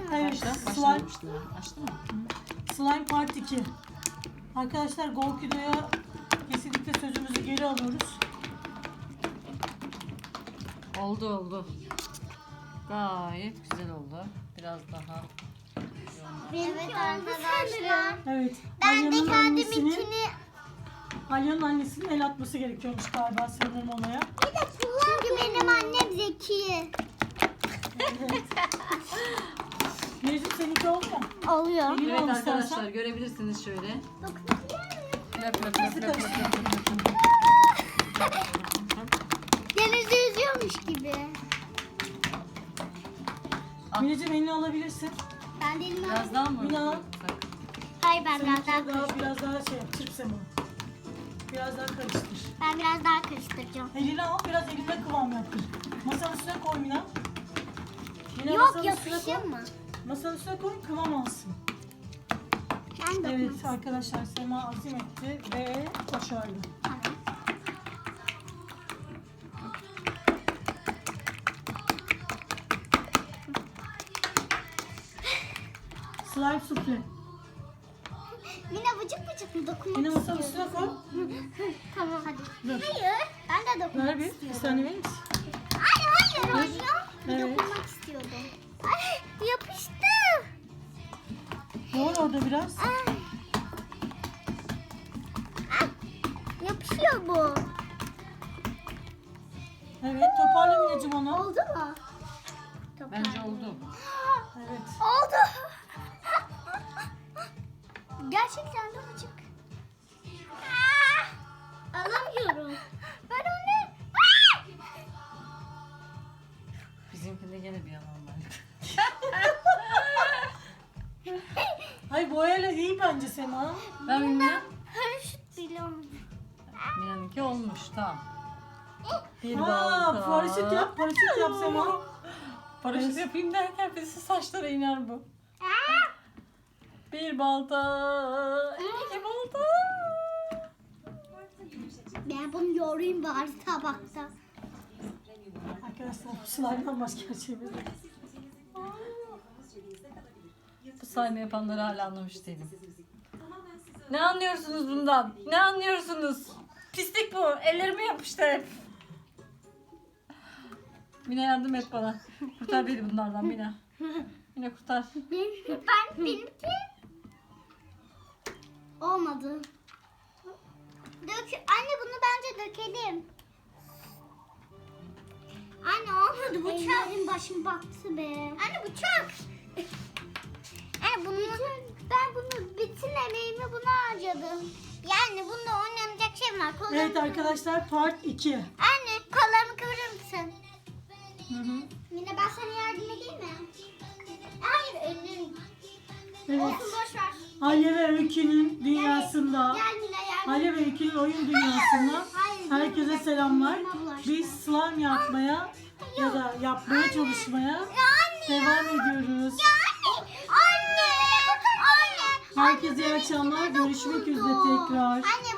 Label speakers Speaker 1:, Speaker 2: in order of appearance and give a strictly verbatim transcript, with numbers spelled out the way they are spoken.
Speaker 1: Evet,
Speaker 2: Başla.
Speaker 1: slime,
Speaker 2: Başlamıştım ben. Açtın mı?
Speaker 1: slime part iki. Arkadaşlar Golkido'ya kesinlikle sözümüzü geri alıyoruz.
Speaker 2: Oldu oldu. Gayet güzel oldu. Biraz daha
Speaker 3: Evet arkadaşlar.
Speaker 1: Evet.
Speaker 3: Ben de
Speaker 1: Alya'nın annesinin,
Speaker 3: kendiminkini
Speaker 1: Alya'nın annesinin el atması gerekiyormuş galiba sanırım olaya.
Speaker 3: çünkü benim annem zeki.
Speaker 1: Evet. Mecnun seninki oldu mu?
Speaker 3: Oluyor.
Speaker 1: Elini
Speaker 2: Evet
Speaker 1: al
Speaker 2: arkadaşlar
Speaker 1: istersen.
Speaker 2: görebilirsiniz şöyle. Löp löp löp löp löp löp
Speaker 1: karıştır.
Speaker 2: löp löp.
Speaker 3: Denizde yüzüyormuş gibi.
Speaker 1: Mineciğim elini alabilirsin.
Speaker 3: Ben de elimi al-
Speaker 2: Biraz daha mı?
Speaker 1: Mina.
Speaker 2: yapsak?
Speaker 3: Hayır ben biraz
Speaker 1: Seninki
Speaker 3: daha
Speaker 1: daha,
Speaker 3: karıştıracağım.
Speaker 1: biraz daha şey yap. Çırp sen onu. Biraz daha karıştır.
Speaker 3: Ben biraz daha karıştıracağım.
Speaker 1: Elini al, biraz elinde kıvam yaptır. Masanın üstüne koy Mina. Mina
Speaker 3: Yok
Speaker 1: masanın üstüne koy.
Speaker 3: yapışır mı?
Speaker 1: Masanın üstüne koy, kıvam alsın.
Speaker 3: Ben de
Speaker 1: Evet arkadaşlar, Sema azim etti ve başardı.
Speaker 3: Tamam.
Speaker 1: Slime sufle.
Speaker 3: Mina vıcık vıcık mı dokunmak
Speaker 1: Yine masanın
Speaker 3: istiyorum.
Speaker 1: üstüne koy.
Speaker 3: Tamam hadi.
Speaker 1: Dur.
Speaker 3: Hayır. Ben de dokunmak
Speaker 1: Ver bir, bir
Speaker 3: istiyorum.
Speaker 1: saniye verir misin?
Speaker 3: Hayır hayır hayır.
Speaker 1: Evet.
Speaker 3: Dokunmak istiyordum. Ay yapıştı.
Speaker 1: Yoğur orada biraz.
Speaker 3: Ay. Ay, yapışıyor bu.
Speaker 1: Evet, toparla Mineciğim onu.
Speaker 3: Oldu mu?
Speaker 2: Bence oldu.
Speaker 1: Evet.
Speaker 3: Oldu. Gerçekten de vıcık. Ah, alamıyorum. Ben onu... Ah!
Speaker 2: Bizimkinde gene bir yalan var.
Speaker 1: Hayır, boyayla iyi bence Sema.
Speaker 2: Ben bilmiyorum.
Speaker 3: Paraşüt bile olmadı.
Speaker 2: Mina'nınki olmuş tamam. Bir
Speaker 1: Aa,
Speaker 2: balta.
Speaker 1: paraşüt yap, paraşüt yap Sema.
Speaker 2: Paraşüt yapayım derken birisi saçlara iner bu. Bir balta. iki balta.
Speaker 3: Ben bunu yoğurayım bari tabakta.
Speaker 1: Arkadaşlar, slime'dan başka bir şeyimiz yok.
Speaker 2: Bu sayma yapanları hala anlamış değilim. Ne anlıyorsunuz bundan? Ne anlıyorsunuz? Pislik bu. Ellerime yapıştı hep. Mina yardım et bana. Kurtar beni bunlardan Mina. Mina kurtar.
Speaker 3: Benim, ben benimki olmadı. Dök, anne bunu bence dökelim. Anne olmadı bu çok. Ellerim başım baktı be. Anne bu çok. Anne bunu ben bunu bütün emeğimi buna harcadım. Yani bunda oynanacak şey var. Kollarımı
Speaker 1: Evet arkadaşlar, part iki.
Speaker 3: Anne kollarımı kıvırır mısın?
Speaker 1: Hı hı.
Speaker 3: Mine ben sana yardım edeyim mi? Hayır ellerim.
Speaker 1: Evet.
Speaker 3: Olsun boş ver.
Speaker 1: Alya ve Öykü'nün dünyasında,
Speaker 3: Gel Mine yardım.
Speaker 1: Alya ve Öykü'nün oyun dünyasında
Speaker 3: Hayır,
Speaker 1: herkese selamlar.
Speaker 3: ellerime bulaştı.
Speaker 1: Biz slime yapmaya ya da yapmaya çalışmaya
Speaker 3: Ya anne.
Speaker 1: devam ediyoruz.
Speaker 3: Anne. Anne. Anne.
Speaker 1: Herkese iyi akşamlar. Görüşmek üzere tekrar.
Speaker 3: Anne